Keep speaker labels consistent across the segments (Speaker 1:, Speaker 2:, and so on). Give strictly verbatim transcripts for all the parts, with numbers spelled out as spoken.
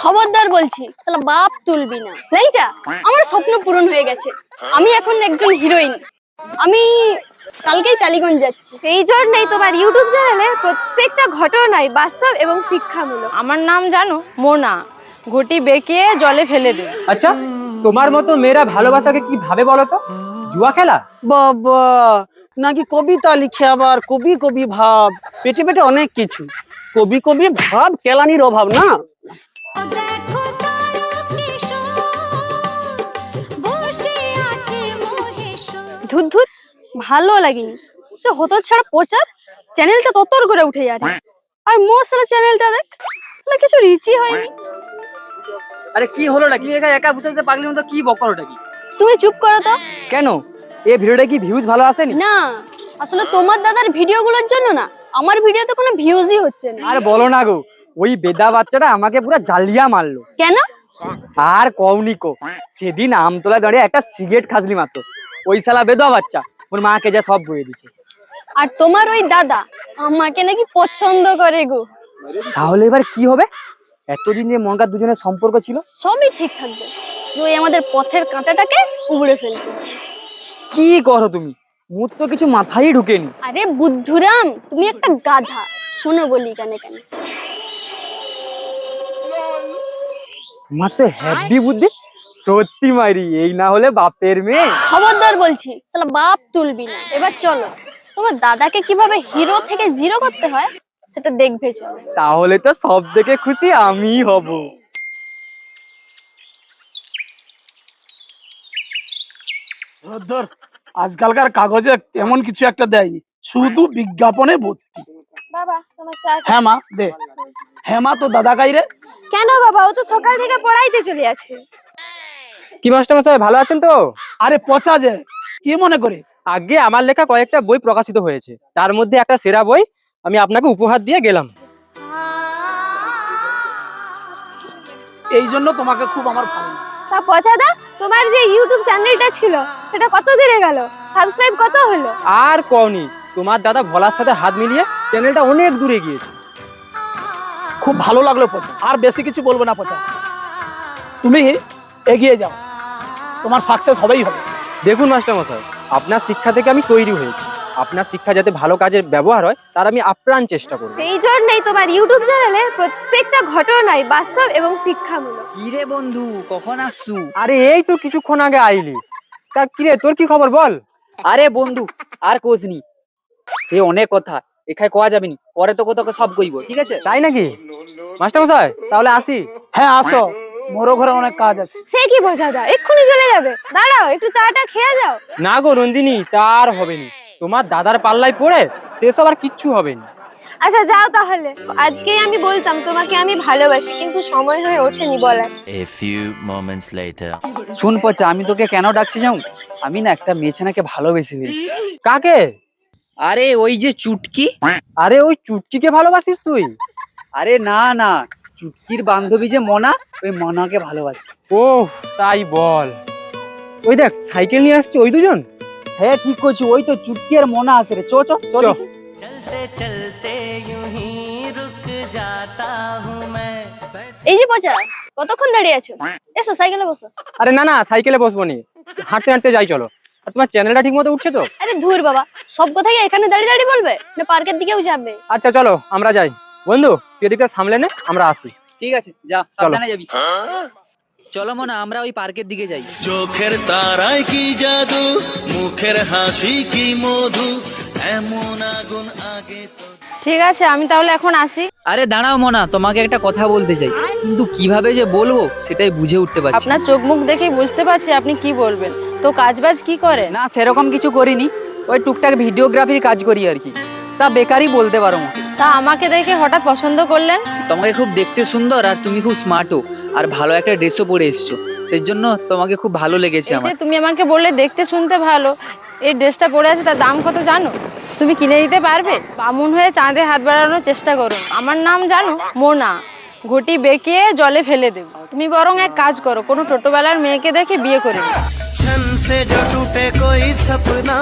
Speaker 1: খবরদার বলছি, শালা বাপ তুলবি না। লাইজা, আমার স্বপ্ন পূরণ হয়ে গেছে। আমি এখন একজন হিরোইন। আমি কালকেই টালিগঞ্জ যাচ্ছি।
Speaker 2: এই জন্যই তোমার ইউটিউব চ্যানেলে প্রত্যেকটা ঘটনাই বাস্তব এবং শিক্ষামূলক।
Speaker 3: আমার নাম জানো মোনা, ঘটি বেঁকিয়ে জলে ফেলে দেবে।
Speaker 4: আচ্ছা, তোমার মতো মেয়েরা ভালোবাসাকে কি ভাবে বলো তো? জুয়া খেলা?
Speaker 5: বাবা, নাকি কবিতা লিখে আবার কবি কবি ভাব, পেটে পেটে অনেক কিছু। কবি কবি ভাব কেলানির অভাব না।
Speaker 1: ধুর ধুর, ভালো লাগেনি। সে হতর ছাড়া প্রচার চ্যানেলটা ততর করে উঠে যাচ্ছে। আর মোর চ্যানেলটা দেখ, শালা কিছু রিচই হয়নি।
Speaker 4: আরে কি হলো নাকি? একা একা বসে বসে পাগলির মতো কি বকর ওটা কি?
Speaker 1: তুমি চুপ করো তো।
Speaker 4: কেন, এই ভিডিওটা কি ভিউজ ভালো আসেনি?
Speaker 1: না, আসলে তোমার দাদার ভিডিওগুলোর জন্য না, আমার ভিডিওতে কোনো ভিউজই হচ্ছে না।
Speaker 4: আর বলো না গো, ওই বেদা বাচ্চাটা আমাকে পুরো জালিয়া মারলো।
Speaker 1: কেন?
Speaker 4: আর কওনিকো, সেদিন আমতলা দাঁড়িয়ে একটা সিগারেট খাসলি মাত্র, ওই শালা বেদা বাচ্চা ওর মাকে যা সব বয়ে দিছে।
Speaker 1: আর তোমার ওই দাদা আমাকে নাকি পছন্দ করে গো।
Speaker 4: তাহলে এবার কি হবে? এতদিন যে মনকার দুজনের সম্পর্ক ছিল,
Speaker 1: সবই ঠিক থাকবে, শুধু এই আমাদের পথের কাঁটাটাকে উগড়ে ফেলতে।
Speaker 4: কি করো তুমি? মুখ তো কিছু মাথায় ঢুকেনি।
Speaker 1: আরে বুদ্ধুরাম, তুমি একটা গাধা। শোনো বলি কানে কানে।
Speaker 4: তোমার তো হ্যাপি বুদ্ধি। সত্যি মাইরি, এই না হলে বাপের মেয়ে।
Speaker 1: খবরদার বলছি, শালা বাপ তুলবি না। এবার চলো, তোমার দাদাকে কিভাবে হিরো থেকে জিরো করতে হয় সেটা দেখবে। চলো।
Speaker 4: তাহলে তো সব থেকে খুশি আমি হব।
Speaker 5: ধর ধর, আজকালকার কাগজে তেমন কিছু একটা দেয়নি, শুধু বিজ্ঞাপনে ভর্তি।
Speaker 2: বাবা, তোমার চা।
Speaker 5: হ্যাঁ মা, দে। হ্যাঁ মা, তো দাদা কাইরে?
Speaker 2: কেন বাবা, ও তো সকাল থেকে পড়াইতে চলে আছে।
Speaker 4: কি মাস্টার মশাই, ভালো আছেন তো?
Speaker 5: আরে পচা যে, কি মনে করে?
Speaker 4: আগে আমার লেখা কয়েকটা বই প্রকাশিত হয়েছে, তার মধ্যে একটা সেরা বই আমি আপনাকে উপহার দিয়ে গেলাম।
Speaker 5: এই জন্য তোমাকে খুব আমার ভালো লাগে।
Speaker 2: তা পচাদা, তোমার যে ইউটিউব চ্যানেলটা ছিল সেটা কত দিনে গেল? সাবস্ক্রাইব কত হলো?
Speaker 4: আর কওনি, তোমার দাদা ভোলার সাথে হাত মিলিয়ে চ্যানেলটা অনেক দূরে গিয়েছে।
Speaker 5: খুব ভালো লাগলো পচা, আর বেশি কিছু বলবো না পচা। তুমি এগিয়ে যাও, তোমার সাকসেস হবেই হবে।
Speaker 4: দেখুন মাস্টার মশাই, আপনার শিক্ষা থেকে আমি তৈরি হয়েছি। আপনার শিক্ষা যাতে ভালো কাজে ব্যবহার হয় তার আমি আপ্রাণ চেষ্টা করব।
Speaker 2: সেই জন্যই তোমার ইউটিউব চ্যানেলে প্রত্যেকটা ঘটনাই বাস্তব এবং শিক্ষামূলক।
Speaker 6: কি রে বন্ধু, কখন আসছু?
Speaker 4: আরে এই তো কিছুক্ষণ আগে আইলি। তা কি রে, তোর কি খবর বল?
Speaker 6: আরে বন্ধু, আর কোসনি, সে অনেক কথা এখানে কোয়া যাবে নি, পরে তো তোকে সব কইব, ঠিক আছে?
Speaker 4: তাই নাকি মাস্টার মশাই? তাহলে আসি।
Speaker 5: হ্যাঁ আসো, মোরও ঘরে অনেক কাজ আছে।
Speaker 2: সে কি পচাদা, এক্ষুনি চলে যাবে? দাঁড়াও, একটু চাটা খেয়ে যাও।
Speaker 4: না গো নন্দিনী, তার হবে নি। তোমার দাদার পাল্লায় পড়ে সেসব আর কিচ্ছু হবে না।
Speaker 2: আচ্ছা যাও তাহলে। আজকেই আমি বলতাম তোমাকে আমি ভালোবাসি, কিন্তু সময় হয়ে ওঠেনি বলার।
Speaker 7: A few moments later.
Speaker 6: শুন পচা, আমি তোকে কেন ডাকছি যাও? আমি না একটা মেয়েছানাকে ভালোবেসে ফেলছি।
Speaker 4: কাকে?
Speaker 6: আরে ওই যে চুটকি।
Speaker 4: আরে ওই চুটকিকে ভালোবাসিস তুই?
Speaker 6: আরে না না, চুটকির বান্ধবী যে মনা, ওই মনাকে ভালোবাসি।
Speaker 4: ও তাই বল। ওই দেখ সাইকেল নিয়ে আসছে ওই দুজন।
Speaker 6: হ্যাঁ ঠিক করছি, ওই তো চুটকি আর মনা আছে রে। চো চো চো।
Speaker 7: चलते चलते यूं ही रुक जाता हूँ मैं।
Speaker 1: এই যে পচা, কতক্ষণ দাঁড়িয়ে আছো? এসো সাইকেলে বসো।
Speaker 4: আরে না না, সাইকেলে বসবো নি, হাঁটতে হাঁটতে যাই চলো। আর তোমার চ্যানেলটা ঠিক মতো উঠছে তো?
Speaker 1: আরে ধুর বাবা, সব কথা কি এখানে দাঁড়িয়ে দাঁড়িয়ে বলবে না পার্কের দিকেও যাবে?
Speaker 4: আচ্ছা চলো আমরা যাই। বন্ধু তুই এদিকটা সামলে নে, আমরা আসি।
Speaker 6: ঠিক আছে, যা, সাবধানে যাবি। চলো মনা, আমরা ওই পার্কের দিকে যাই।
Speaker 8: চোখের তারায় কি জাদু, মুখের হাসি কি মধু, এমন আগুন আগে তো।
Speaker 3: ঠিক আছে, আমি তাহলে এখন আসি।
Speaker 6: আরে দাঁড়াও মনা, তোমাকে একটা কথা বলতে চাই, কিন্তু কিভাবে যে বলবো সেটাই বুঝে উঠতে পারছি না।
Speaker 3: আপনার চোখ মুখ দেখেই বুঝতে পারছি আপনি কি বলবেন। তো কাজবাজ কি করে?
Speaker 6: না সেরকম কিছু করিনি, ওই টুকটাক ভিডিওগ্রাফির কাজ করি আর কি। তা বেকারই বলতে পারো আমাকে।
Speaker 3: তা আমাকে দেখে হঠাৎ পছন্দ করলেন?
Speaker 6: তোমাকে খুব দেখতে সুন্দর, আর তুমি খুব স্মার্টও, আর ভালো একটা ড্রেসও পরে এসছো, সেই জন্য তোমাকে খুব ভালো লেগেছে
Speaker 3: এই যে
Speaker 6: আমার।
Speaker 3: তুমি আমাকে বললে দেখতে শুনতে ভালো, এই ড্রেসটা পরে আছে, তার দাম কত জানো? তুমি কিনে দিতে পারবে? বামুন হয়ে চাঁদে হাত বাড়ানোর চেষ্টা করো। আমার নাম জানো মোনা, ঘটি বেঁকিয়ে জলে ফেলে দেব। তুমি বরং এক কাজ করো, কোনো টোটোবেলার মেয়েকে দেখে বিয়ে করে নাও।
Speaker 8: छन से जो टूटे कोई सपना,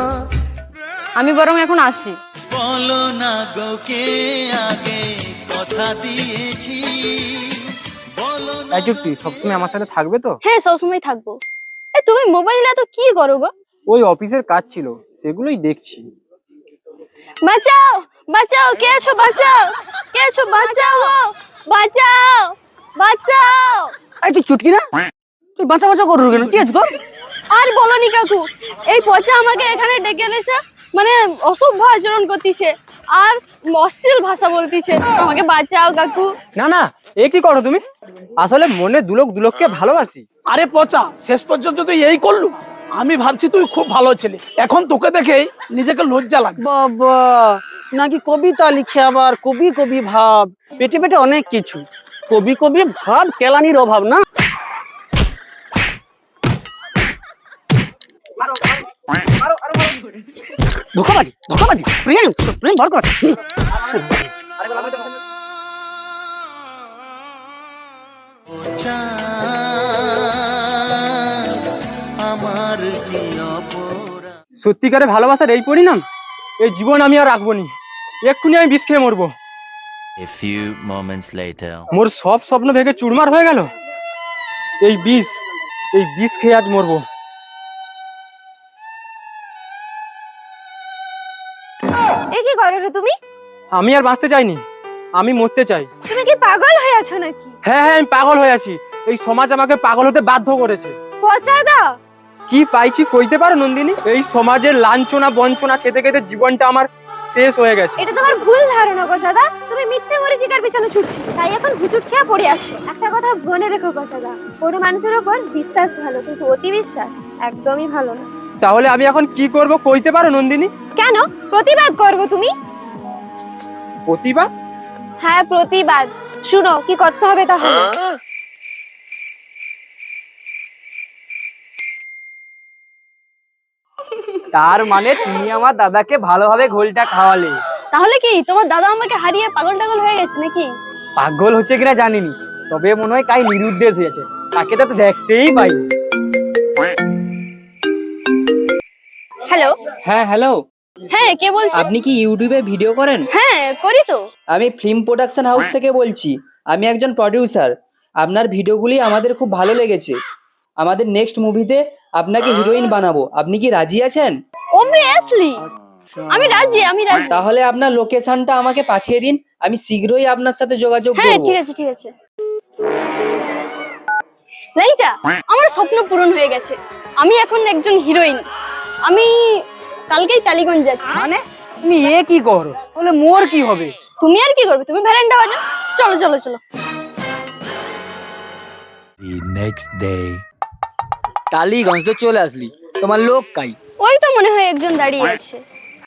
Speaker 3: আমি বরং এখন আসি।
Speaker 8: বলো না গো কে আগে কথা দিয়েছি, বলো
Speaker 4: এই চুটকি সবসময় আমার সাথে থাকবে তো?
Speaker 1: হ্যাঁ সবসময় থাকবো। এই তুমি মোবাইলে তো কি করো গো?
Speaker 4: ওই অফিসের কাজ ছিল, সেগুলোই দেখছি।
Speaker 1: বাঁচাও বাঁচাও, কে আছো? বাঁচাও, কে আছো? বাঁচাও গো, বাঁচাও বাঁচাও।
Speaker 4: এই তুই চুটকি না, তুই বাঁচা বাঁচা করু কেন? কি আছে তোর?
Speaker 1: আর বলনি কাকু, এই পচা আমাকে এখানে ডেকে এনেছে, মানে অসভ্য আচরণ করতেছে আর অশ্লীল ভাষা বলতিছে। আমাকে বাঁচাও কাকু।
Speaker 4: না না, এ কি করো তুমি? আসলে মনে দুলোক দুলোককে ভালোবাসি।
Speaker 5: আরে পচা, শেষ পর্যন্ত তুই এই করলু? আমি ভাবছি তুই খুব ভালো ছেলে, এখন তোকে দেখেই নিজেকে লজ্জা লাগছে।
Speaker 9: বাবা, নাকি কবিতা লিখে আবার কবি কবি ভাব, পেটে পেটে অনেক কিছু। কবি কবি ভাব কেলানির অভাব না। ধোকাবাজি ধোকাবাজি, প্রেম প্রেম ভর কর।
Speaker 8: আমার কি অপরাধ।
Speaker 4: সত্যিকারে ভালোবাসার এই পরিণাম? এই জীবন আমি আর রাখবো নি, এক্ষুনি আমি বিষ খেয়ে মরবো।
Speaker 7: A few moments later.
Speaker 4: মোর সব স্বপ্ন ভেঙে চুরমার হয়ে গেল। এই বিষ, এই বিষ খেয়ে আজ মরবো।
Speaker 1: এ কি করো রে তুমি?
Speaker 4: আমি আর বাঁচতে চাইনি, আমি মরতে চাই।
Speaker 1: তুমি কি পাগল হয়ে আছো নাকি?
Speaker 4: হ্যাঁ হ্যাঁ, আমি পাগল হয়ে আছি। এই সমাজ আমাকে পাগল হতে বাধ্য করেছে।
Speaker 1: পচা দাও।
Speaker 4: কি পাইছি কইতে পারো নন্দিনী? এই সমাজের লাঞ্ছনা বঞ্চনা খেতে খেতে জীবনটা আমার শেষ হয়ে গেছে।
Speaker 1: এটা তোমার ভুল ধারণা গোছাদা। তুমি মিথ্যে মরিচিকার পিছনে ছুটছো, তাই এখন হুচুট খেয়ে পড়ে আসছো। একটা কথা মনে রেখো গোছাদা, কোনো মানুষের উপর বিশ্বাস ভালো, কিন্তু অতি বিশ্বাস একদমই ভালো না।
Speaker 4: তাহলে আমি এখন কি করব কইতে পারো নন্দিনী?
Speaker 1: কেন প্রতিবাদ করবো তুমি?
Speaker 4: প্রতিভা?
Speaker 2: হ্যাঁ প্রতিবাদ। শুনো কি করতে হবে তাহলে।
Speaker 4: তার মানে তুমি আমার দাদাকে ভালোভাবে ঘোলটা খাওয়ালে?
Speaker 1: তাহলে কি তোমার দাদা আমাকে হারিয়ে পাগল টাগল হয়ে গেছে নাকি?
Speaker 4: পাগল হচ্ছে কিনা জানিনি, তবে মনে হয় কাই নিরুদ্দেশ হয়েছে। তাকে তো দেখতেই পাই।
Speaker 1: হ্যালো।
Speaker 6: হ্যাঁ হ্যালো,
Speaker 1: হ্যাঁ কে বলছো?
Speaker 6: আপনি কি ইউটিউবে ভিডিও করেন?
Speaker 1: হ্যাঁ করি তো।
Speaker 6: আমি ফিল্ম প্রোডাকশন হাউস থেকে বলছি। আমি একজন প্রডিউসার। আপনার ভিডিওগুলি আমাদের খুব ভালো লেগেছে। আমাদের নেক্সট মুভিতে আপনাকে হিরোইন বানাবো। আপনি কি রাজি আছেন?
Speaker 1: অবভিয়াসলি আমি রাজি, আমি রাজি।
Speaker 6: তাহলে আপনার লোকেশনটা আমাকে পাঠিয়ে দিন, আমি শীঘ্রই আপনার সাথে যোগাযোগ
Speaker 1: হ্যাঁ
Speaker 6: করব।
Speaker 1: ঠিক আছে ঠিক আছে। লাইজা, আমার স্বপ্ন পূরণ হয়ে গেছে। আমি এখন একজন হিরোইন। আমি কালকেই টালিগঞ্জ যাচ্ছি।
Speaker 4: মানে তুমি এ কি করো? বলে মোর কি হবে?
Speaker 1: তুমি আর কি করবে? তুমি ভ্যারেন্ডা বাজাও। চলো চলো চলো।
Speaker 7: The next day.
Speaker 4: টালিগঞ্জ তো চলে আসলি, তোমার লোক কাই?
Speaker 1: ওই তো মনে হয় একজন দাঁড়িয়ে আছে।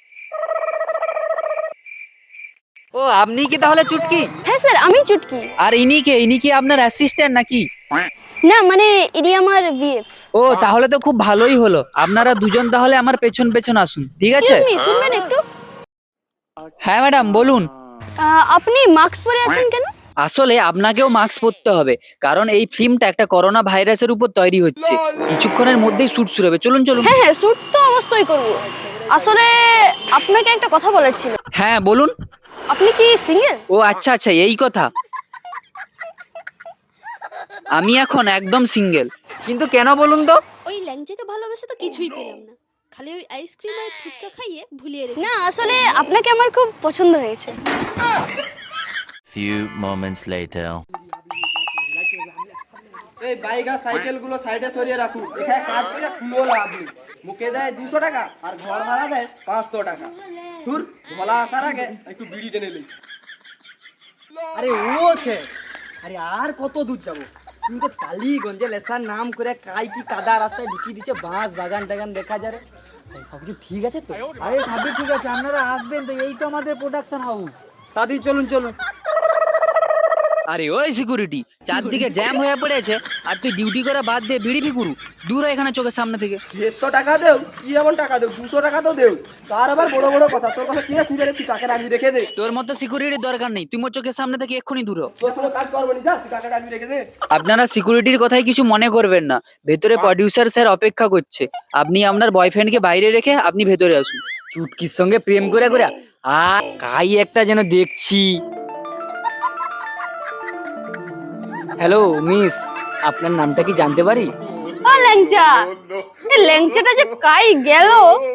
Speaker 6: ও আপনি কি তাহলে চুটকি?
Speaker 1: হ্যাঁ স্যার আমি চুটকি।
Speaker 6: আর ইনি কে? ইনি কি আপনার অ্যাসিস্ট্যান্ট নাকি?
Speaker 1: না মানে ইনি আমার বিএফ।
Speaker 6: ও তাহলে তো খুব ভালোই হলো। আপনারা দুজন তাহলে আমার পেছন পেছন আসুন, ঠিক আছে?
Speaker 1: এক্সকিউজ মি, শুনবেন একটু?
Speaker 6: হ্যাঁ ম্যাডাম বলুন।
Speaker 1: আহ, আপনি মাস্ক পরে আছেন কেন?
Speaker 6: আসলে আপনাকেও মাস্ক পরতে হবে, কারণ এই ফিল্মটা একটা করোনা ভাইরাসের উপর তৈরি হচ্ছে। কিছুক্ষণের মধ্যেই শুট শুরু হবে। চলুন চলুন।
Speaker 1: হ্যাঁ হ্যাঁ শুট তো অবশ্যই করব। আসলে আপনাকে একটা কথা বলার ছিল।
Speaker 6: হ্যাঁ বলুন।
Speaker 1: আপনি কি সিঙ্গেল?
Speaker 6: ও আচ্ছা আচ্ছা, এই কথা। আমি এখন একদম সিঙ্গেল।
Speaker 4: কিন্তু কেন বলুন তো?
Speaker 10: ওই ল্যাংচাকে ভালোবেসে তো কিছুই পেলাম না, খালি ওই আইসক্রিম আর ফুচকা খাইয়ে ভুলিয়ে রেখে।
Speaker 1: না আসলে আপনাকে আমার খুব পছন্দ হয়েছে।
Speaker 7: Few moments later.
Speaker 9: এই বাইক আর সাইকেল গুলো সাইডে সরিয়ে রাখুন। এখানে কাজ করে কোনো লাভ নেই। মুখে দেয় দুশো টাকা আর ঘর ভাড়া দেয় পাঁচশো টাকা। দূর ভোলা আসার আগে একটু বিড়ি টেনে নেই। আরে ও সে, আরে আর কত দূর যাবো? তুমি তো টালিগঞ্জে লেসার নাম করে কাই কি কাদা রাস্তায় ঢুকিয়ে দিচ্ছে। বাঁশ বাগান টাগান দেখা যায়। সবকিছু ঠিক আছে তো? আরে সবই ঠিক আছে, আপনারা আসবেন তো, এই তো আমাদের প্রোডাকশন হাউস। দাদি চলুন চলুন।
Speaker 6: আরে ওই সিকিউরিটি, চারদিকে জ্যাম হয়ে পড়েছে আর তুই ডিউটি করে বাদ দিয়ে বিড়ি ফিকুরু। দূর হয় এখানে চোখের সামনে থেকে।
Speaker 9: দেড়শো টাকা দেও, কি এমন টাকা দেও? দুশো টাকা তো দেও। তার আবার বড় বড় কথা। তোর কথা কি আছে? তুই কাকে রাখবি রেখে দে।
Speaker 6: তোর মতো সিকিউরিটির দরকার নেই, তুই মোর চোখের সামনে থেকে এক্ষুনি দূর হ।
Speaker 9: তোর কোনো কাজ করবো নি, যা তুই কাকে রাখবি রেখে দে।
Speaker 6: আপনারা সিকিউরিটির কথাই কিছু মনে করবেন না। ভেতরে প্রডিউসার স্যার অপেক্ষা করছে। আপনি আপনার বয়ফ্রেন্ডকে বাইরে রেখে আপনি ভেতরে আসুন।
Speaker 4: চুটকির সঙ্গে প্রেম করে করে আর কাই একটা যেন দেখছি। হ্যালো মিস, আপনার নামটা কি জানতে পারি?
Speaker 2: ও ল্যাংচা, এই ল্যাংচাটা যে কাই গেল।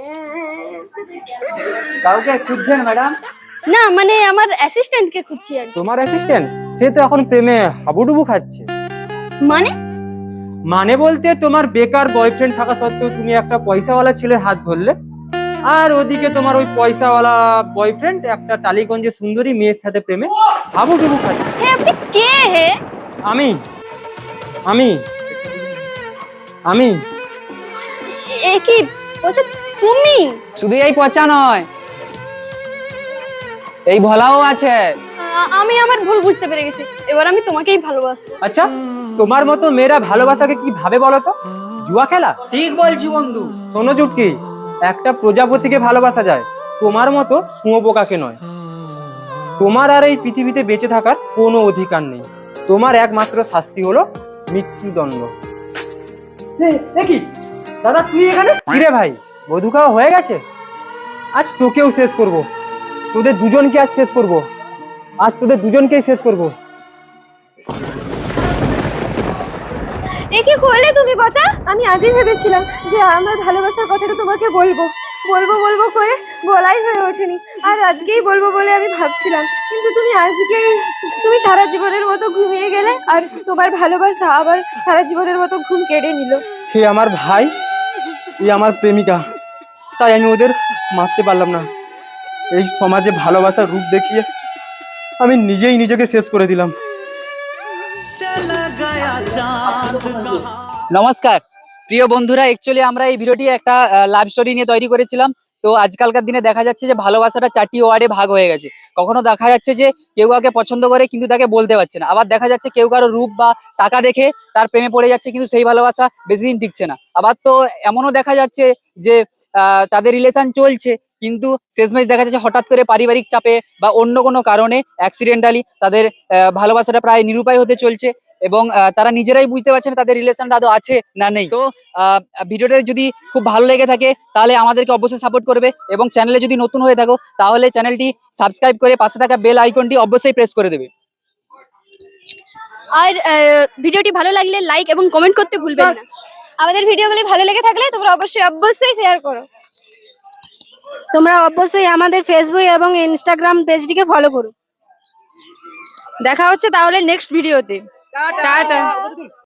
Speaker 6: কাউকে খুঁজছেন ম্যাডাম?
Speaker 2: না মানে আমার অ্যাসিস্ট্যান্টকে খুঁজছি আর কি।
Speaker 4: তোমার অ্যাসিস্ট্যান্ট? সে তো এখন প্রেমে হাবুডুবু খাচ্ছে।
Speaker 2: মানে
Speaker 4: মানে বলতে তোমার বেকার বয়ফ্রেন্ড থাকা সত্ত্বেও তুমি একটা পয়সাওয়ালা ছেলের হাত ধরলে, আর ওদিকে তোমার ওই পয়সাওয়ালা বয়ফ্রেন্ড একটা টালিগঞ্জের সুন্দরী মেয়ের সাথে প্রেমে হাবুডুবু খাচ্ছে।
Speaker 2: হে আপনি কে হে?
Speaker 4: আমি আমি আমি
Speaker 2: এ কি বলছো তুমি?
Speaker 6: শুধু এই পচা নয়, এই ভোলাও আছে।
Speaker 2: আ- আমি আমার ভুল বুঝতে পেরে গেছি, এবার আমি তোমাকেই ভালোবাসবো।
Speaker 4: আচ্ছা, তোমার মতো মেয়েরা ভালোবাসাকে কি ভাবে বলো তো? জুয়া খেলা?
Speaker 6: ঠিক বলছি বন্ধু।
Speaker 4: শোনো চুটকি, একটা প্রজাপতিকে ভালোবাসা যায়, তোমার মতো শুঁয়োপোকাকে নয়। তোমার আর এই পৃথিবীতে বেঁচে থাকার কোনো অধিকার নেই। তোমার একমাত্র শাস্তি হলো মৃত্যুদণ্ড। দেখি দাদা, তুই এখানে? কিরে ভাই, বধূ খাওয়া হয়ে গেছে? আজ তোকেও শেষ করব, তোদের দুজনকে আজ শেষ করব, আজ তোদের দুজনকেই শেষ করব।
Speaker 1: এ কি করলে তুমি বাতা? আমি আজই ভেবেছিলাম যে আমার ভালোবাসার কথাটা তোমাকে বলবো বলবো বলবো করে বলাই হয়ে ওঠেনি, আর আজকেই বলবো বলে আমি ভাবছিলাম, কিন্তু তুমি আজকেই তুমি সারা জীবনের মতো ঘুমিয়ে গেলে, আর তোমার ভালোবাসা আবার সারা জীবনের মতো ঘুম কেড়ে নিল।
Speaker 4: হে আমার ভাই, এই আমার প্রেমিকা, তাই আমি ওদের মারতে পারলাম না। এই সমাজে ভালোবাসার রূপ দেখিয়ে আমি নিজেই নিজেকে শেষ করে দিলাম।
Speaker 8: चला गया चांद कहाँ।
Speaker 6: নমস্কার প্রিয় বন্ধুরা, অ্যাকচুয়ালি আমরা এই ভিডিওটি একটা লাভ স্টোরি নিয়ে তৈরি করেছিলাম। তো আজকালকার দিনে দেখা যাচ্ছে যে ভালোবাসাটা চারটি ওয়ার্ডে ভাগ হয়ে গেছে। কখনো দেখা যাচ্ছে যে কেউ কাউকে পছন্দ করে কিন্তু তাকে বলতে পারছে না, আবার দেখা যাচ্ছে কেউ কারো রূপ বা টাকা দেখে তার প্রেমে পড়ে যাচ্ছে কিন্তু সেই ভালোবাসা বেশি দিন টিকছে না। আবার তো এমনও দেখা যাচ্ছে যে আহ, তাদের রিলেশন চলছে কিন্তু শেষমেশ দেখা যাচ্ছে হঠাৎ করে পারিবারিক চাপে বা অন্য কোনো কারণে অ্যাক্সিডেন্টালি তাদের আহ, ভালোবাসাটা প্রায় নিরুপায় হতে চলছে এবং আহ, তারা নিজেরাই বুঝতে পারছে না তাদের রিলেশনটা আদৌ আছে না নেই। তো আহ, ভিডিওটা যদি খুব ভালো লেগে থাকে তাহলে আমাদেরকে অবশ্যই সাপোর্ট করবে, এবং চ্যানেলে যদি নতুন হয়ে থাকো তাহলে চ্যানেলটি সাবস্ক্রাইব করে পাশে থাকা বেল আইকনটি অবশ্যই প্রেস করে দেবে।
Speaker 2: আর ভিডিওটি ভালো লাগলে লাইক এবং কমেন্ট করতে ভুলবেন না।
Speaker 1: আমাদের ভিডিওগুলি ভালো লেগে থাকলে তোমরা অবশ্যই অবশ্যই শেয়ার করো।
Speaker 3: তোমরা অবশ্যই আমাদের ফেসবুক এবং ইনস্টাগ্রাম পেজটিকে ফলো করো। দেখা হচ্ছে তাহলে নেক্সট ভিডিওতে। টাটা।